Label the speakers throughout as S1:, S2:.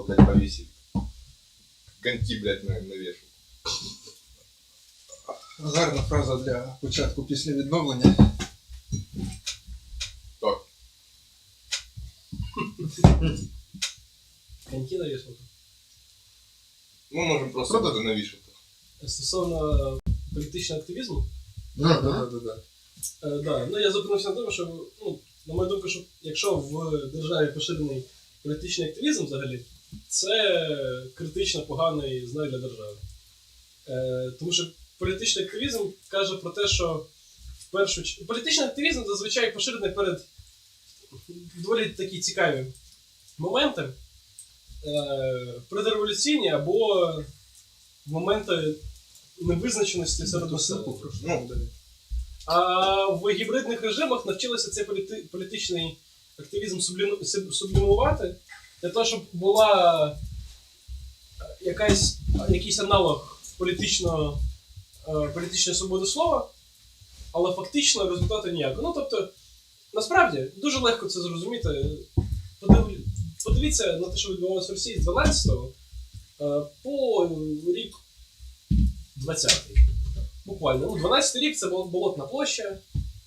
S1: блядь, повесить. Коньки, блядь, навешу.
S2: Гарна фраза для початку після відновлення.
S1: Так.
S3: Коньки навішувати.
S1: Ми можемо просто туди навішати.
S3: Стосовно політичного активізму,
S2: Да.
S3: да. Ну я зупинився на тому, що, ну, на мою думку, що якщо в державі поширений політичний активізм взагалі, це критично поганий знак для держави. Тому що політичний активізм каже про те, що політичний активізм зазвичай поширений перед доволі такі цікаві моменти, предреволюційні або моменти невизначеності серед населення. А в гібридних режимах навчилися цей політичний активізм сублімувати для того, щоб була якийсь аналог політичної свободи слова, але фактично результату ніякого. Ну, тобто, насправді, дуже легко це зрозуміти. Подивіться на те, що відбувалося в Росії з 12-го по рік 20-й. Буквально. Ну, 12-й рік це Болотна площа,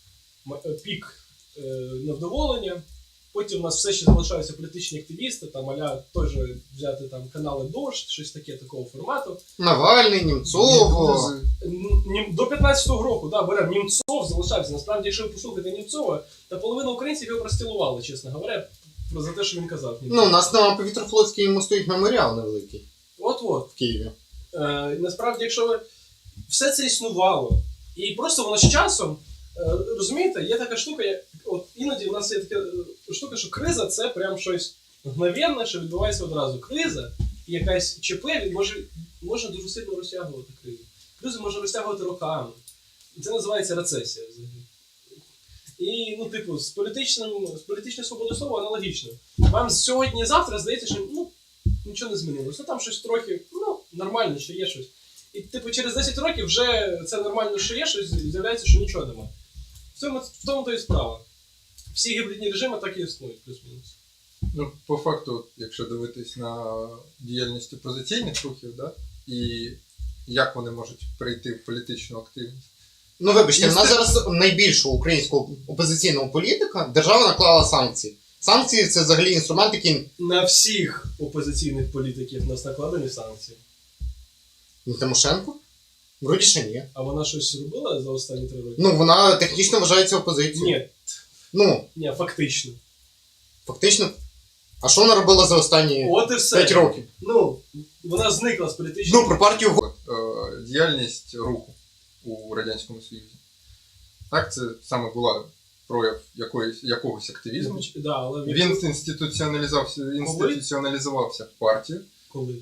S3: пік невдоволення. Потім у нас все ще залишаються політичні активісти, там аля теж взяти там канали «Дождь», щось таке такого формату.
S2: Навальний, Німцов.
S3: До 15-го року, да, беремо, Німцов залишався. Насправді, якщо ви послухаєте Німцова, то половина українців його простілували, чесно говоря, за те, що він казав.
S2: Ну, у нас на Повітрофлотській йому стоїть меморіал невеликий.
S3: От-от.
S2: В Києві.
S3: Насправді, якщо ви... все це існувало, і просто воно з часом, розумієте, є така штука, от іноді в нас є така штука, що криза це прям щось мгновенне, що відбувається одразу. Криза і якась ЧП може дуже сильно розтягувати кризу. Кризу може розтягувати роками. І це називається рецесія взагалі. І, ну, типу, з політичною свободою слова аналогічно. Вам сьогодні-завтра здається, що, ну, нічого не змінилося. Ну, там щось трохи, ну, нормально, що є щось. І, типу, через 10 років вже це нормально, що є щось, з'являється, що нічого немає. В тому то і справа. Всі гібридні режими так і існують, плюс-мінус.
S2: Ну, по факту, якщо дивитись на діяльність опозиційних рухів, да, і як вони можуть прийти в політичну активність. Ну, вибачте, в нас зараз найбільшого українського опозиційного політика держава наклала санкції. Санкції – це взагалі інструмент, який...
S3: На всіх опозиційних політиків нас накладені санкції.
S2: Тимошенко? Вроді ще ні.
S3: А вона щось робила за останні 3 роки?
S2: Ну, вона технічно вважається опозицією.
S3: Ні.
S2: Ну.
S3: Ні, фактично.
S2: Фактично? А що вона робила за останні 5 років?
S3: Ну, вона зникла з політичної...
S2: Ну, про партію... Діяльність руху у Радянському Союзі. Так, це саме була прояв якогось активізму.
S3: Да, але
S2: він інституціоналізувався в партію.
S3: Коли?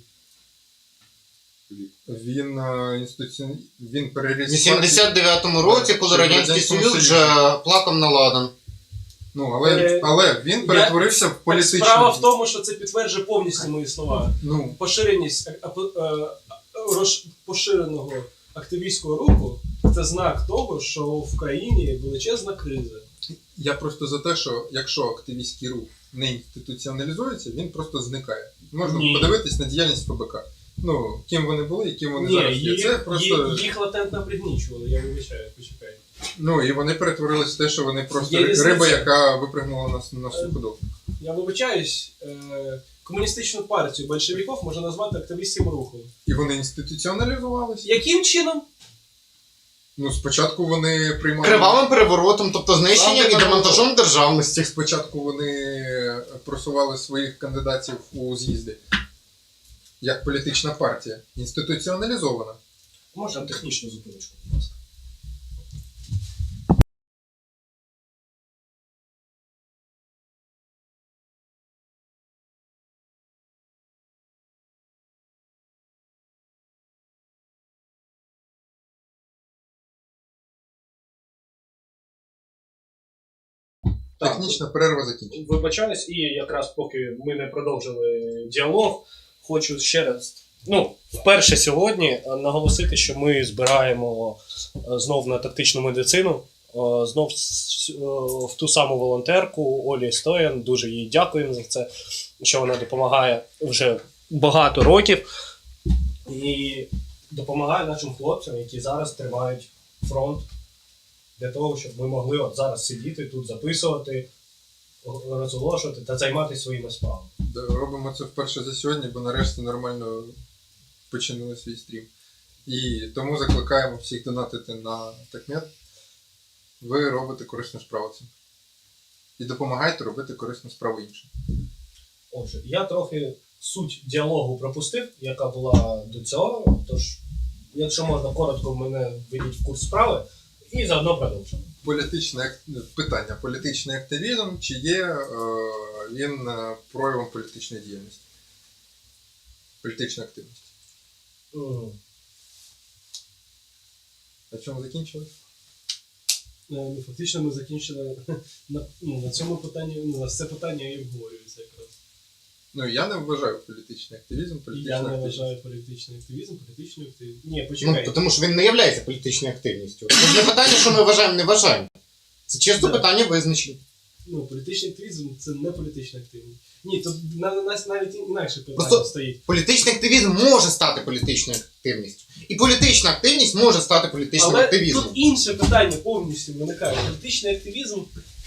S2: Він переріс... У 79-му році, коли Радянський Союз вже плакав на ладан. Ну, але він перетворився в політичну...
S3: Справа в тому, що це підтверджує повністю мої слова.
S2: Ну.
S3: Поширеність поширеного активістського руху – це знак того, що в країні величезна криза.
S2: Я просто за те, що якщо активістський рух не інституціоналізується, він просто зникає. Можна подивитись на діяльність ФБК. Ну, ким вони були і ким вони зараз є. Це просто...
S3: Їх латентно пригнічували, я вибачаю, почекай.
S2: Ну, і вони перетворились в те, що вони просто риба, яка випригнула на суходол.
S3: Я вибачаюсь, комуністичну партію большевиків можна назвати активістським рухом.
S2: І вони інституціоналізувалися.
S3: Яким чином?
S2: Ну, спочатку вони приймали...
S4: Кривавим переворотом, тобто знищенням і демонтажом державності.
S2: Спочатку вони просували своїх кандидатів у з'їзди. Як політична партія. Інституціоналізована.
S3: Можна технічну зупиночку, будь ласка.
S2: Технічна перерва закінчена.
S3: Вибачаюсь, і якраз поки ми не продовжили діалог, хочу ще раз, вперше сьогодні наголосити, що ми збираємо знов на тактичну медицину, знов в ту саму волонтерку Олі Стоян, дуже їй дякуємо за це. що вона допомагає вже багато років і допомагає нашим хлопцям, які зараз тримають фронт для того, щоб ми могли от зараз сидіти тут, записувати, розголошувати та займатися своїми справами.
S2: Робимо це вперше за сьогодні, бо нарешті нормально починили свій стрім. І тому закликаємо всіх донатити на Такмет. Ви робите корисну справу цим. І допомагайте робити корисну справу іншим.
S3: Отже, я трохи суть діалогу пропустив, яка була до цього, тож, якщо можна коротко, мене введіть в курс справи і заодно продовжимо.
S2: Питання. Політичний активізм, чи є він проявом політичної діяльності? Політична активність. На чому закінчили?
S3: Фактично ми закінчили на цьому питанні, на це питання і обговорюється якраз.
S2: Ну, я не вважаю політичний активізм,
S3: Я не
S2: активність.
S3: вважаю політичний активізм, політичною активністю. Ні, почекай.
S4: Ну, тому що він не є політичною активністю. Це не питання, що ми вважаємо, не вважаємо. Це чисто
S3: Да.
S4: питання визначення.
S3: Ну, політичний активізм це не політична активність. Ні, тут на нас навіть інакше питання
S4: Просто
S3: стоїть.
S4: Політичний активізм може стати політичною активністю. І політична активність може стати політичним
S3: Але
S4: активізмом.
S3: тут інше питання повністю виникає. Політичний активізм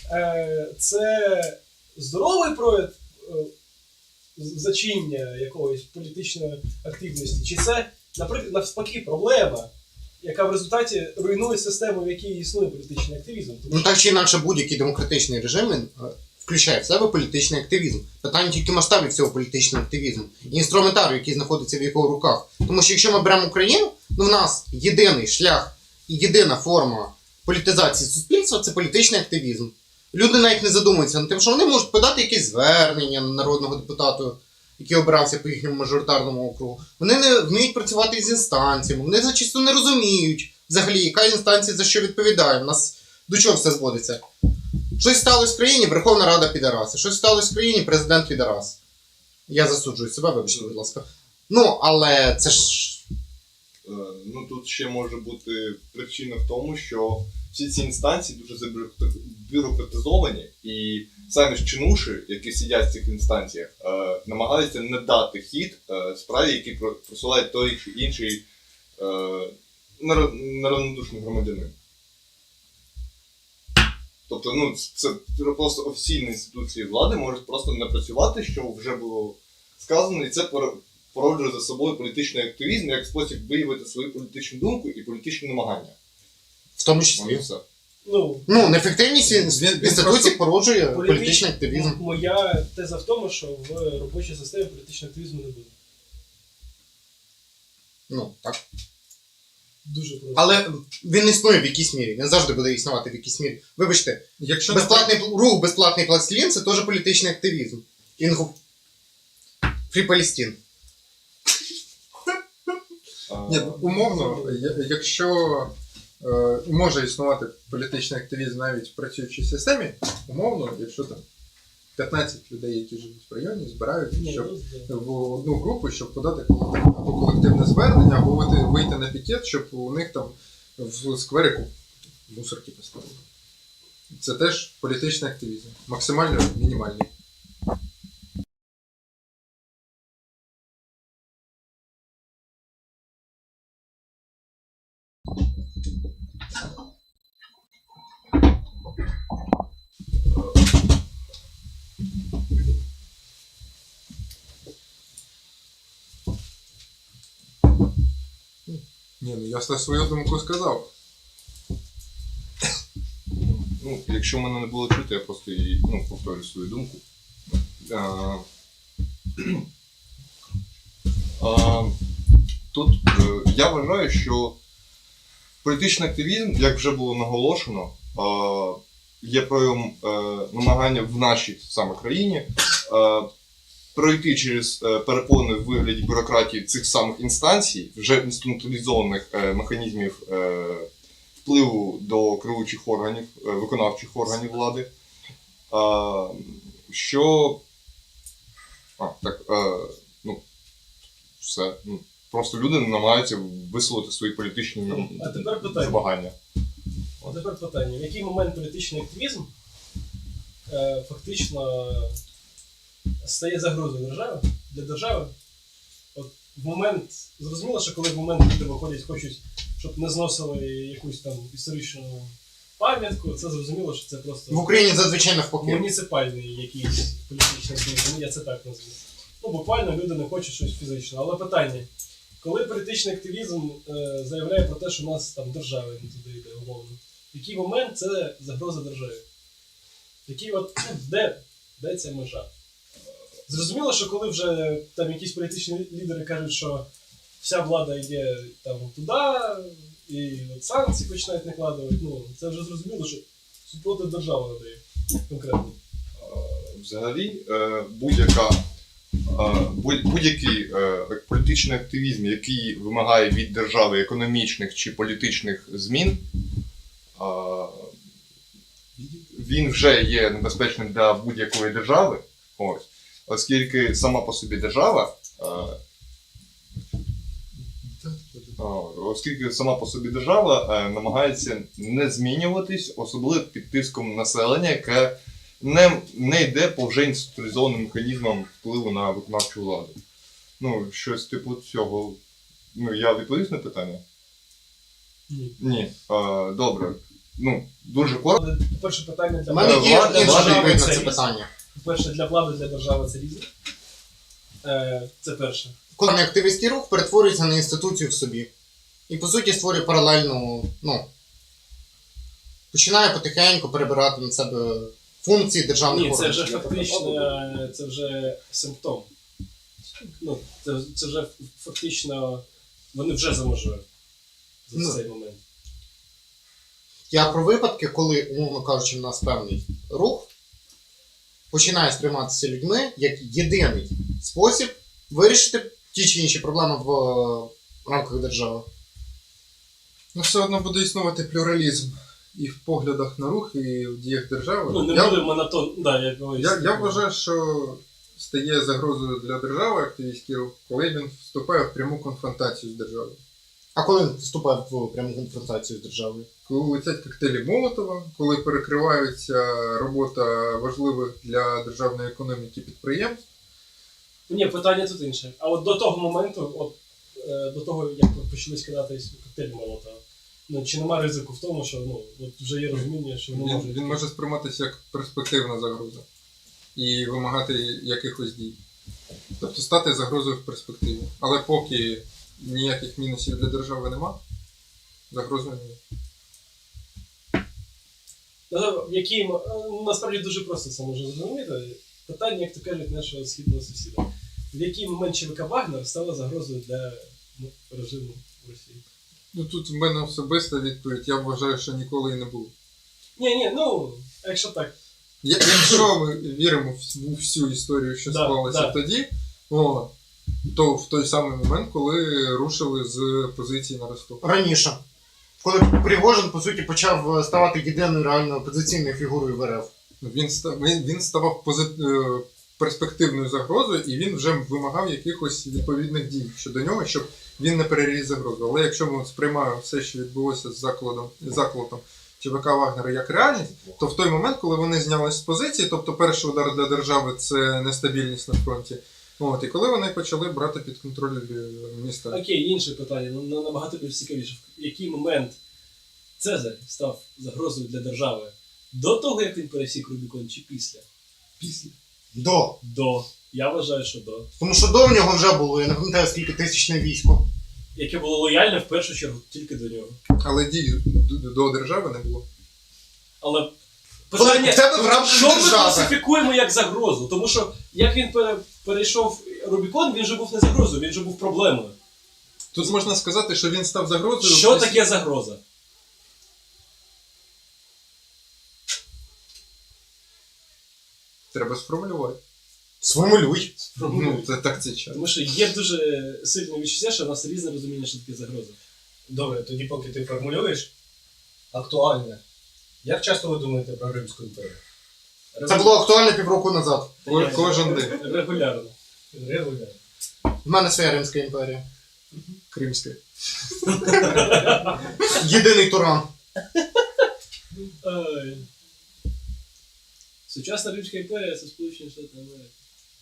S3: це здоровий прояв зачинення якоїсь політичної активності, чи це, наприклад, навпаки, проблема, яка в результаті руйнує систему, в якій існує політичний активізм. Тому
S4: Ну так чи інакше будь-який демократичний режим він включає в себе політичний активізм. Питання тільки масштабів цього політичного активізму. І інструментарію, який знаходиться в його руках. Тому що якщо ми беремо Україну, ну в нас єдиний шлях і єдина форма політизації суспільства це політичний активізм. Люди навіть не задумуються над тим, що вони можуть подати якесь звернення народного депутата, який обирався по їхньому мажоритарному округу. Вони не вміють працювати з інстанціями, вони зачасту не розуміють взагалі, яка інстанція за що відповідає. У нас до чого все зводиться? Щось сталося в країні, Верховна Рада підараси. Щось сталося в країні, президент підарас. Я засуджую себе, вибачте, будь ласка. Ну, але це ж...
S1: Ну тут ще може бути причина в тому, що всі ці інстанції дуже забюрократизовані, і самі ж чинуші, які сидять в цих інстанціях, намагаються не дати хід справі, які просувають той чи інший неравнодушний громадянин. Тобто, ну, це просто офіційні інституції влади можуть просто не працювати, що вже було сказано, і це породжує за собою політичний активізм як спосіб виявити свою політичну думку і політичні намагання.
S4: В тому числі.
S1: Все.
S3: Ну,
S4: Неефективність інституцій
S2: просто
S4: породжує політичний активізм.
S3: Моя теза в тому, що в робочій системі політичного активізму не буде.
S4: Ну, так.
S3: Дуже просто.
S4: Але він існує в якійсь мірі, він завжди буде існувати в якійсь мірі. Вибачте,
S2: Якщо
S4: безплатний рух, безплатний пластилін це теж політичний активізм. Фрі Палестін.
S2: Ні, умовно, якщо може існувати політичний активізм навіть в працюючій системі, умовно, якщо там 15 людей, які живуть в районі, збираються в одну групу, щоб подати або колективне звернення, або вийти на пікет, щоб у них там в скверику мусорки поставили. Це теж політичний активізм. Максимально мінімальний. Ні, ну я свою думку сказав.
S1: Ну, якщо мене не було чути, я просто її, повторю свою думку. Тут я вважаю, що політичний активізм, як вже було наголошено, є проявом намагання в нашій саме країні пройти через перепони в вигляді бюрократії цих самих інстанцій, вже інструменталізованих механізмів впливу до керуючих органів, виконавчих органів влади, що все. Просто люди намагаються висловити свої політичні забагання.
S3: А тепер питання. В який момент політичний активізм фактично стає загрозою для держави. От в момент, зрозуміло, що коли в момент люди виходять, хочуть, щоб не зносили якусь там історичну пам'ятку, це зрозуміло, що це просто
S4: В Україні зазвичай навпаки.
S3: муніципальний якийсь політичний активізм, я це так назву. Ну, буквально люди не хочуть щось фізичне. Але питання, коли політичний активізм заявляє про те, що у нас там держава не туди йде, умовно, в який момент це загроза державі? Де ця межа? Зрозуміло, що коли вже там якісь політичні лідери кажуть, що вся влада йде там туди, і от санкції починають накладувати, ну, це вже зрозуміло, що супроти держави надає конкретно.
S1: Взагалі, будь-який політичний активізм, який вимагає від держави економічних чи політичних змін, він вже є небезпечним для будь-якої держави, ось, оскільки сама по собі держава, намагається не змінюватись, особливо під тиском населення, яке не йде по вже інституалізованим механізмам впливу на виконавчу владу. Ну, щось типу цього. Ну, я відповів на питання?
S3: Ні.
S1: Ні. Добре. Ну, дуже коротко.
S3: Але перше питання для
S4: У мене є
S1: Влада-
S4: інша
S1: влада-
S4: відповідь на
S3: це
S4: це
S3: різне.
S4: питання.
S3: Перше, для влади, для держави це різне. Це перше.
S4: Коли активістський рух перетворюється на інституцію в собі. І по суті створює паралельну, починає потихеньку перебирати на себе функції державних
S3: Ні, це
S4: органів.
S3: вже фактично, це вже симптом. Ну, це вже фактично, вони вже за межою за цей момент.
S4: Я про випадки, коли, умовно кажучи, в нас певний рух починає сприйматися людьми як єдиний спосіб вирішити ті чи інші проблеми в рамках держави.
S2: Ну, все одно буде існувати плюралізм і в поглядах на рух, і в діях держави.
S3: Ну, не буде монотон. Да,
S2: Я вважаю, що стає загрозою для держави активістський рух, коли він вступає в пряму конфронтацію з державою.
S4: А коли він вступає в пряму конфронтацію з державою?
S2: Коли летять коктейлі Молотова, коли перекривається робота важливих для державної економіки підприємств.
S3: Ні, питання тут інше. А от до того моменту, до того, як почали скидатись коктейлі Молотова, ну, чи нема ризику в тому, що от вже є розуміння, що вони можуть...
S2: Він може сприйматися як перспективна загроза і вимагати якихось дій. Тобто стати загрозою в перспективі. Але поки ніяких мінусів для держави нема, загрозою немає.
S3: Насправді дуже просто це можна зрозуміти. Питання, як то кажуть, нашого східного сусіда. В який момент ЧВК Вагнер стала загрозою для режиму в Росії?
S2: Ну тут в мене особиста відповідь, я вважаю, що ніколи і не було.
S3: Ні, якщо так.
S2: Якщо ми віримо в всю історію, що склалася тоді, то в той самий момент, коли рушили з позиції на Ростов.
S4: Раніше. Коли Пригожин, по суті, почав ставати єдиною реально опозиційною фігурою в РФ.
S2: Він ставав перспективною загрозою, і він вже вимагав якихось відповідних дій щодо нього, щоб він не переріс загрозу. Але якщо ми сприймаємо все, що відбулося з заколотом ЧВК Вагнера як реальність, то в той момент, коли вони знялись з позиції, тобто перший удар для держави – це нестабільність на фронті, і коли вони почали брати під контроль міста.
S3: Окей, інше питання, набагато більш цікавіше. В який момент Цезарь став загрозою для держави? До того, як він пересік Рубікон, чи після? Після.
S4: До.
S3: Я вважаю, що до.
S4: Тому що до нього вже було, я не пам'ятаю, скільки тисячне військо.
S3: Яке було лояльне, в першу чергу, тільки до нього.
S2: Але дій до держави не було.
S3: Але
S4: Питання, в тебе в рамках
S3: що ми
S4: держави.
S3: класифікуємо як загрозу? Тому що, як він перейшов Рубікон, він же був не загрозою, він же був проблемою.
S2: Тут можна сказати, що він став загрозою.
S3: Що таке загроза?
S2: Треба сформулювати.
S4: Сформулюй.
S2: Це так це час.
S3: Тому що є дуже сильне відчуття, що у нас різне розуміння, що таке загроза.
S5: Добре, тоді поки ти формулюєш, актуальне. Як часто ви думаєте про Римську імперію?
S4: Це було актуально півроку назад.
S2: Кожен день.
S3: Регулярно.
S5: Регулярно.
S4: В мене своя Римська імперія.
S2: Кримська.
S4: Єдиний Туран.
S3: Сучасна Римська імперія – це Сполучені Штати Америки.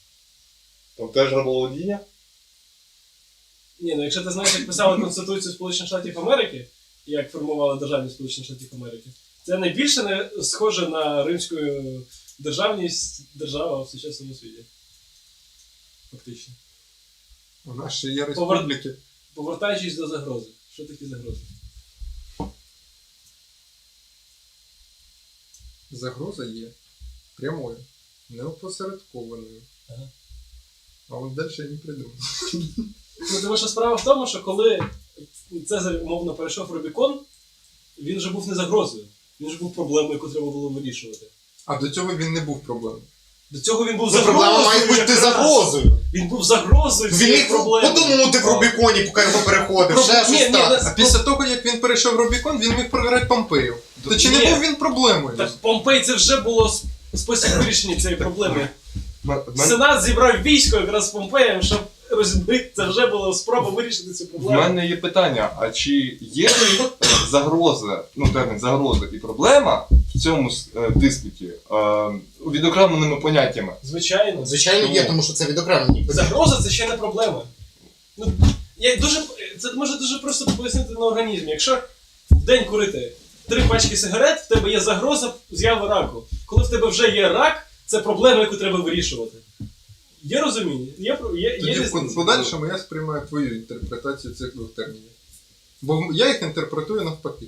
S1: Там теж рабоволодіння?
S3: Ні, ну якщо ти знаєш, як писали Конституцію Сполучених Штатів Америки, і як формували державність Сполучених Штатів Америки, це найбільше не схоже на римську державність держава в сучасному світі. Фактично.
S2: У нас ще є республіки.
S3: Повертаючись до загрози. Що таке загрози?
S2: Загроза є прямою, неопосередкованою.
S3: Ага.
S2: А от далі я не придумав.
S3: Ну, тому що справа в тому, що коли Цезарь, умовно, перейшов Рубікон, він вже був не загрозою. Він ж був проблемою, яку треба було вирішувати.
S2: А до цього він не був проблемою.
S3: До цього він був
S4: Ну, проблема
S3: загрозою.
S4: має бути
S3: якраз.
S4: загрозою.
S3: Він був загрозою
S4: Він
S3: цієї
S4: міг
S3: проблеми.
S4: подумати в Рубіконі, поки його переходив. Ще
S3: Ні,
S4: щось
S3: ні,
S4: так.
S2: А після того, як він перейшов Рубікон, він міг програти Помпею. То чи
S3: Ні.
S2: не був він проблемою?
S3: Так Помпей це вже було спосіб вирішення цієї проблеми.
S1: М-
S3: Сенат зібрав військо якраз з Помпеєм, щоб розбити. Це вже була спроба вирішити цю
S1: В
S3: проблему.
S1: мене є питання, а чи є загроза, термін загроза і проблема в цьому диспуті відокремленими поняттями?
S3: Звичайно.
S4: Звичайно, є, тому що це відокремлені.
S3: Загроза це ще не проблема. Ну, це може дуже просто пояснити на організмі. Якщо в день курити 3 пачки сигарет, в тебе є загроза з'яви раку. Коли в тебе вже є рак, це проблема, яку треба вирішувати. Є розуміння? Є
S2: Тоді в
S3: різниця?
S2: подальшому я сприймаю твою інтерпретацію цих двох термінів. Бо я їх інтерпретую навпаки.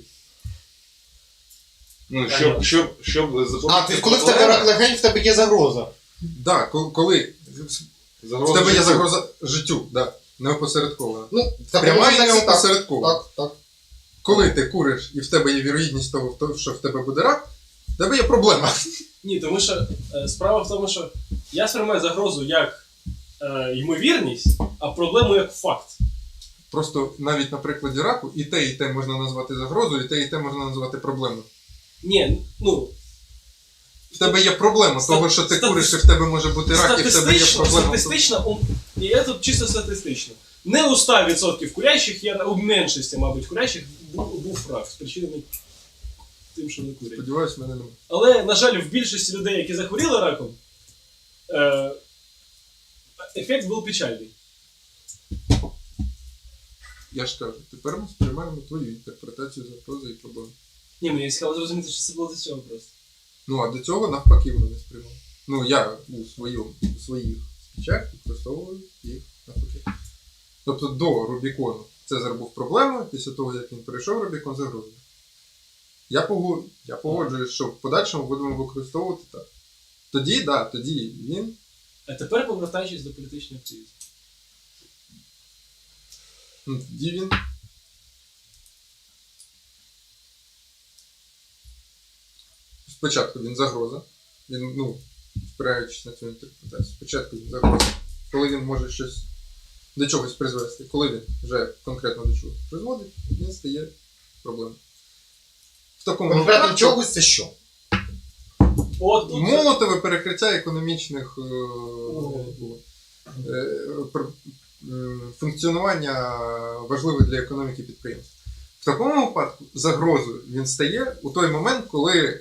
S1: Ну, щоб
S4: А, ти коли в тебе рак легень, в тебе є загроза.
S2: Так, коли в тебе є загроза життю, да, неопосередкована.
S4: Ну, в такому
S2: Пряма і
S4: контексті так.
S2: неопосередкована.
S4: Так.
S2: Коли ти куриш і в тебе є вірогідність того, що в тебе буде рак, в тебе є проблема.
S3: Ні, тому що справа в тому, що я сприймаю загрозу як ймовірність, а проблему як факт.
S2: Просто навіть на прикладі раку і те можна назвати загрозою, і те можна назвати проблемою.
S3: Ні, ну,
S2: В тебе є проблема того, що ти куриш, і в тебе може бути рак, і в тебе є проблема.
S3: статистично, і я тут чисто статистично. Не у 100% курящих, у меншості, мабуть, курящих був рак, спричинений тим, що не курять.
S2: Сподіваюсь, мене немає.
S3: Але, на жаль, в більшості людей, які захворіли раком, ефект був печальний.
S2: Я ж кажу, тепер ми сприймаємо твою інтерпретацію загрози і проблеми.
S3: Ні, мені цікаво зрозуміти, що це було до цього просто.
S2: Ну, а до цього навпаки воно не сприймав. Ну, я у своїх спічах використовую їх навпаки. Тобто до Рубікону Цезар був проблемою, після того, як він перейшов Рубікон, загрозою. Я погоджуюсь, що в подальшому будемо використовувати так. Тоді він.
S3: А тепер повертаючись до політичної активізму.
S2: Тоді він. Спочатку він загроза. Він, спираючись на цю інтерпретацію. Спочатку він загроза. Коли він може щось до чогось призвести, коли він вже конкретно до чогось призводить, він стає проблемою. В такому
S4: Конкретно
S2: випадку
S4: чогось це що?
S3: От тут
S2: молотове перекриття економічних функціонування важливих для економіки підприємств. В такому випадку загрозою він стає у той момент, коли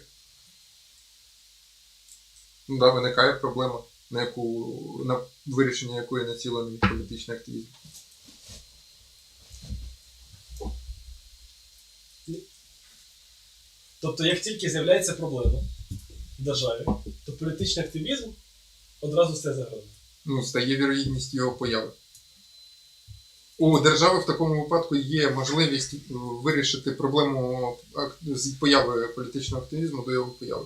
S2: виникає проблема, на вирішення якої націлений політичний активізм.
S3: Тобто, як тільки з'являється проблема в державі, то політичний активізм одразу стає загрозою.
S2: Стає вірогідність його появи. У держави в такому випадку є можливість вирішити проблему з появи політичного активізму до його появи.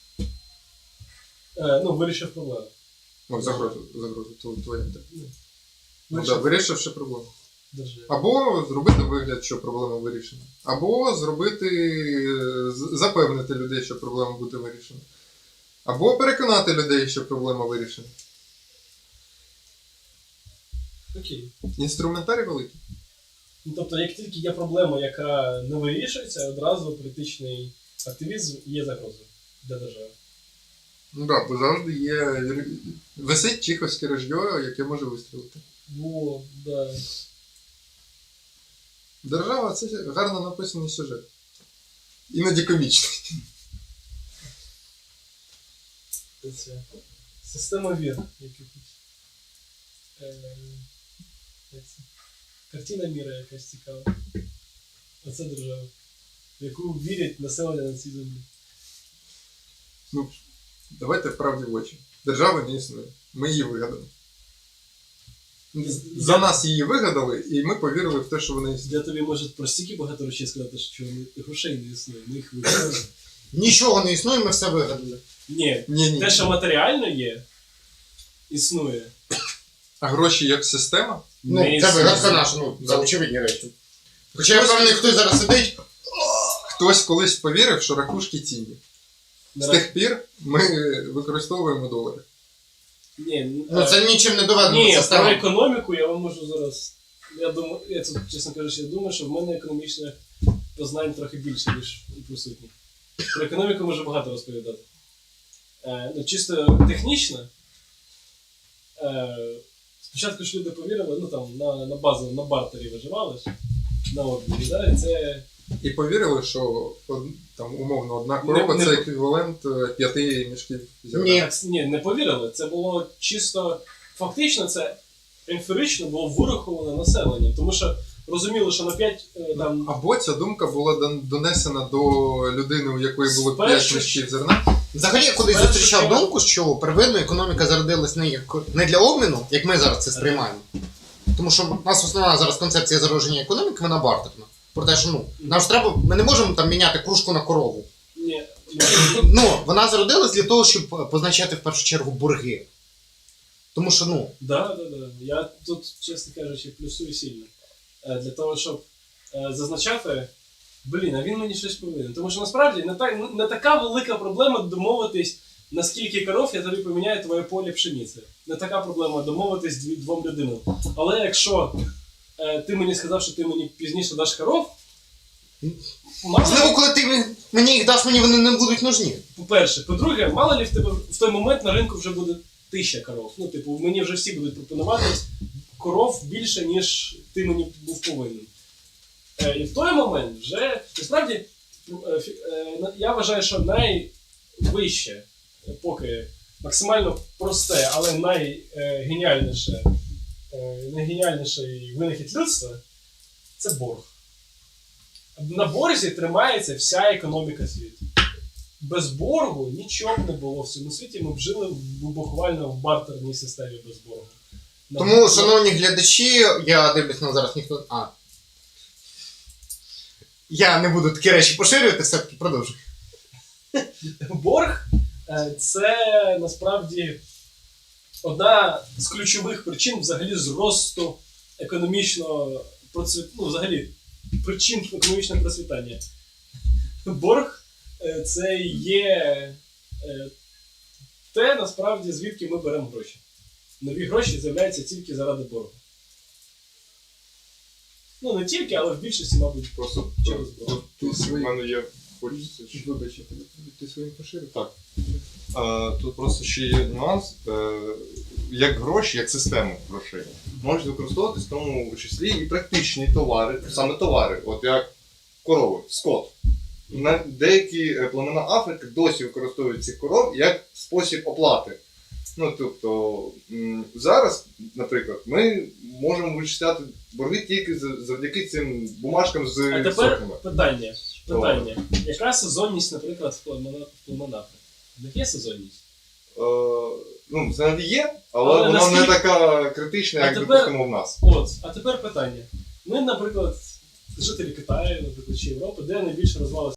S3: Вирішив проблему.
S2: Загрозу, твоя інтерпретація. Вирішивши проблему.
S3: Державі.
S2: Або зробити вигляд, що проблема вирішена. Або запевнити людей, що проблема буде вирішена. Або переконати людей, що проблема вирішена.
S3: Окей.
S2: Інструментарій великий.
S3: Тобто, як тільки є проблема, яка не вирішується, одразу політичний активізм є загрозою для держави.
S2: Бо завжди є. Висить чеховське ружьо, яке може вистрілити.
S3: Да.
S2: Держава це гарно написаний сюжет. Іноді комічний.
S3: Це система вір якихось. як це? Картина міра якась цікава. Оце держава, в яку вірять населення на цій землі.
S2: Ну, давайте правді в очі. Держави не існує. Ми її вигадали. За нас її вигадали, і ми повірили в те, що вона існує.
S3: Я тобі може про стільки багато речей сказати, що грошей не існує, ми їх вигадали.
S4: Нічого не існує, ми все вигадали.
S3: Ні,
S2: Ні.
S3: те, що матеріально є, існує.
S2: А гроші як система?
S4: Ну,
S3: Не
S4: це
S3: існує.
S4: вигадка наша, ну, за очевидні речі. Хоча я впевнений, хтось зараз сидить,
S2: Хтось колись повірив, що ракушки цінні. З тих пір ми використовуємо долари.
S3: Ні,
S4: ну це нічим не доведено.
S3: ні, про
S4: система.
S3: економіку я вам можу зараз. Я думаю, я тут, чесно кажучи, я думаю, що в мене економічних познань трохи більше, ніж у присутніх. Про економіку можу багато розповідати. Ну, чисто технічно. Спочатку ж люди повірили, ну там на базу, на бартері виживали ж, на обміні, да? І це.
S2: І повірили, що там умовно одна корова
S3: Не-
S2: це
S3: не-
S2: еквівалент 5 мішків зерна.
S4: Ні.
S3: Ні, не повірили. Це було чисто фактично, це емпірично було вираховане населення. Тому що розуміли, що на 5 там.
S2: Або ця думка була донесена до людини, у якої було 5
S3: Спершу
S2: мішків зерна.
S4: Взагалі я колись
S3: Перше,
S4: зустрічав
S3: що-
S4: думку, що первинно економіка зародилась не для обміну, як ми зараз це сприймаємо. Тому що в нас основна зараз концепція зародження економіки, вона бартерна. Про те, що нам ж треба, ми не можемо там міняти кружку на корову.
S3: Ні,
S4: Ну, вона зародилась для того, щоб позначати в першу чергу борги. Тому що,
S3: да. Я тут, чесно кажучи, плюсую сильно. Для того, щоб зазначати, а він мені щось повинен. Тому що насправді не така велика проблема домовитись, на скільки коров я тобі поміняю твоє поле пшениці. Не така проблема домовитись двом людинам. Але якщо ти мені сказав, що ти мені пізніше даш коров,
S4: можливо, коли ти мені їх даш, мені вони не будуть нужні.
S3: по-перше. По-друге, мало ли в тебе в той момент на ринку вже буде 1000 коров. Ну, типу, мені вже всі будуть пропонувати коров більше, ніж ти мені був повинен. І в той момент вже, насправді, я вважаю, що найвище, поки максимально просте, але найгеніальніший винахід людства – це борг. На борзі тримається вся економіка світу. Без боргу нічого б не було в цьому світі, ми б жили буквально в бартерній системі без боргу.
S4: Тому, шановні глядачі, я дивлюсь, нам зараз ніхто. Я не буду такі речі поширювати, все-таки продовжуй.
S3: Борг це насправді одна з ключових причин взагалі зросту економічного взагалі причин економічного процвітання. Борг це є те, насправді, звідки ми беремо гроші. Нові гроші з'являються тільки заради боргу. Ну, не тільки, але в більшості, мабуть,
S1: Просто
S3: через борг.
S1: тут в мене є, хочеться.
S2: Вибач, ти своїм поширив?
S1: Так. Тут просто ще є нюанс. Як гроші, як система грошей, можуть використовуватись в тому числі і практичні товари, саме товари, от як корови, скот. Деякі племена Африки досі використовують цих коров як спосіб оплати. Ну, тобто, зараз, наприклад, ми можемо вичисляти борги тільки завдяки цим бумажкам з
S3: А тепер
S1: сотками.
S3: питання. Яка сезонність, наприклад, в племен Африки? В них є сезонність?
S1: Ну, це є,
S3: Але
S1: але вона не
S3: наскільки-
S1: така критична,
S3: А
S1: як
S3: тепер-
S1: допустимо в нас.
S3: А тепер питання. Ми, наприклад, жителі Китаю, наприклад, чи Європи, де найбільше розвивалася